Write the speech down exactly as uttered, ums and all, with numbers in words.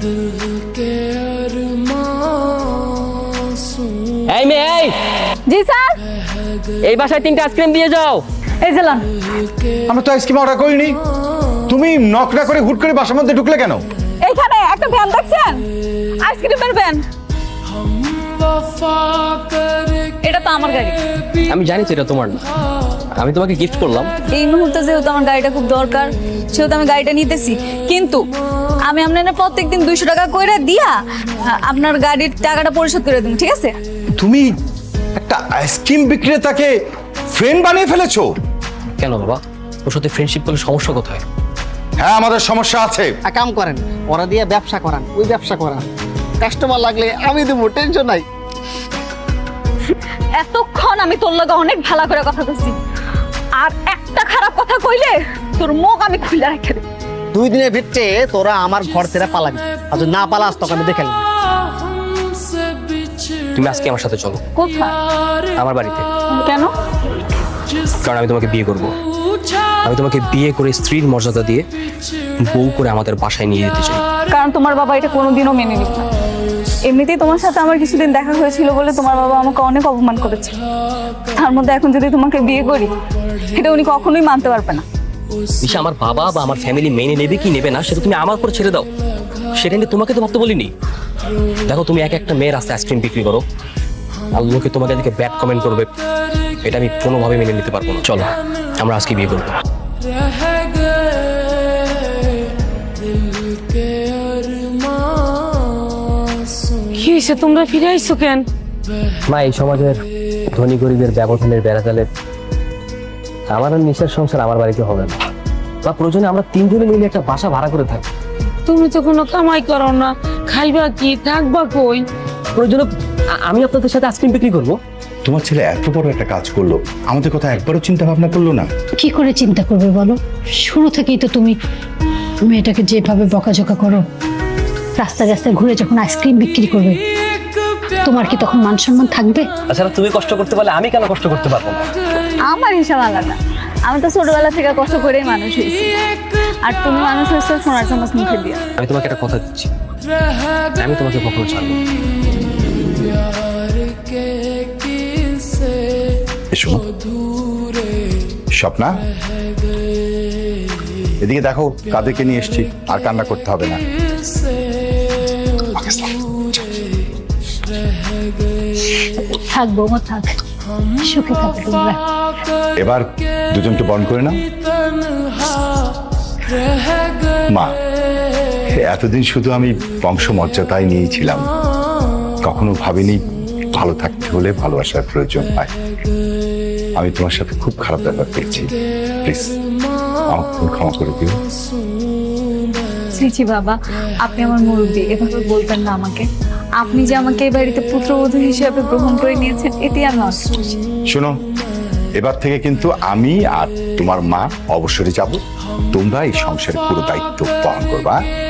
এই মেয়ে, এই জি স্যার। এই বাসায় তিনটা আইসক্রিম দিয়ে যাও। এই জেলান। আমরা তো আইসক্রিম অর্ডার করিনি। তুমি নক না করে হুট করে বাসার মধ্যে ঢুকলে কেন? এইখানে একটা ভ্যান দেখছেন, আইসক্রিমের ভ্যান। এটা তো আমার গাড়ি। আমি জানি তো এটা তোমার না, আমি তোমাকে গিফট করলাম। এই মুহূর্তে যেহেতু আমার গাড়িটা খুব দরকার, সেহেতু আমি গাড়িটা নিতেছি। কিন্তু আমি আপনার প্রত্যেকদিন দুইশো টাকা করে দিয়া আপনার গাড়ির টাকাটা পরিশোধ করে দেবো, ঠিক আছে? তুমি একটা আইসক্রিম বিক্রেতাকে ফ্রেন্ড বানিয়ে ফেলেছো? কেন বাবা, ওর সাথে ফ্রেন্ডশিপ করলে সমস্যা কোথায়? হ্যাঁ, আমাদের সমস্যা আছে। কাম করেন, ওরা দিয়ে ব্যবসা করান, ওই ব্যবসা করান। কাস্টমার লাগলে আমি দেবো, টেনশন নাই। এতক্ষণ আমি তোর লগে অনেক ভালো করে কথা কইছি, আর একটা খারাপ কথা কইলে তোর মুখ আমি খুলে রেখে দেব। দুই দিনের ভিতরে তোরা আমার ঘর ছেড়ে পালাবি, আর যদি না পালাস তোকে আমি দেখে নিবো। তুমি আজকে আমার সাথে চলো। কোথায়? আমার বাড়িতে। কেন? কারণ আমি তোমাকে বিয়ে করব। আমি তোমাকে বিয়ে করে স্ত্রীর মর্যাদা দিয়ে বউ করে আমাদের বাসায় নিয়ে যেতে চাই। কারণ তোমার বাবা এটা কোনোদিনও মেনে নিত না। এমনিতেই তোমার সাথে আমার কিছুদিন দেখা হয়েছিল বলে তোমার বাবা আমাকে অনেক অপমান করেছে। তার মধ্যে এখন যদি তোমাকে বিয়ে করি, এটা উনি কখনোই মানতে পারবে না। দিশা, আমার বাবা বা আমার ফ্যামিলি মেনে নেবে কি নেবে না সেটা তুমি আমার উপর ছেড়ে দাও। সেটা নিয়ে তোমাকে তো ভাবতে বলিনি। দেখো, তুমি এক একটা মেয়ের রাস্তায় আইসক্রিম বিক্রি করো, আর লোকে তোমাকে দেখে ব্যাড কমেন্ট করবে, এটা আমি কোনোভাবে মেনে নিতে পারবো না। চলো, আমরা আজকে বিয়ে করবো। কি হয়েছে, তোমরা ফিরে আইছো কেন? মা, এই সমাজের ধনী গরিবের ব্যবধানের বেড়াতালে আমার আর নিশার সংসার আমার বাড়িতে হবে না। বা প্রয়োজনে আমরা তিনজনে মিলে একটা বাসা ভাড়া করে থাকি। তুমি তো কোনো কামাই করো না, খাইবা কি, থাকবা কই? প্রয়োজনে আ- আমি আপনাদের সাথে আইসক্রিম বিক্রি করবো। তোমার ছেলে এত বড় একটা কাজ করলো, আমাদের কথা একবারও চিন্তা ভাবনা করলো না। কি করে চিন্তা করবে বলো? শুরু থেকেই তো তুমি মেয়েটাকে যেভাবে বকাঝকা করো, রাস্তায় রাস্তায় ঘুরে যখন আইসক্রিম বিক্রি করবে, তোমার কি তখন মান সম্মান থাকবে? তাছাড়া তুমি কষ্ট করতে পারলে আমি কেন কষ্ট করতে পারবো না? আমার হিসাব আলাদা। আমি তো ছোটবেলা থেকে কষ্ট করেই মানুষ হয়েছি, আর তুমি মানুষ হয়েছো সোনার চামচ মুখে দিয়ে। আমি তোমাকে একটা কথা দিচ্ছি, আমি তোমাকে কখনো ছাড়বো না। এসো স্বপ্না, এদিকে দেখো কাদেরকে নিয়ে এসেছি, আর কান্না করতে হবে না। থাকবো মা, থাক, সুখে থাকবে তোমরা। এবার দুজনকে বন্ধ করে নাও। মা, এতদিন শুধু আমি বংশমর্যাদায় নিয়েছিলাম, কখনো ভাবিনি ভালো থাকতে হলে ভালোবাসার প্রয়োজন হয়। আমি তোমার সাথে খুব খারাপ ব্যাপার পেয়েছি, প্লিজ আমাকে তুমি ক্ষমা করে দিও। শ্রীচি বাবা, আপনি আমার মুরব্বী, এভাবে বলবেন না আমাকে। আপনি যে আমাকে এই বাড়িতে পুত্রবধূ হিসেবে গ্রহণ করে নিয়েছেন, এটি আমি অনেক খুশি। শোনো, এবার থেকে কিন্তু আমি আর তোমার মা অবসরে যাব, তোমরা এই সংসারের পুরো দায়িত্ব পালন করবা।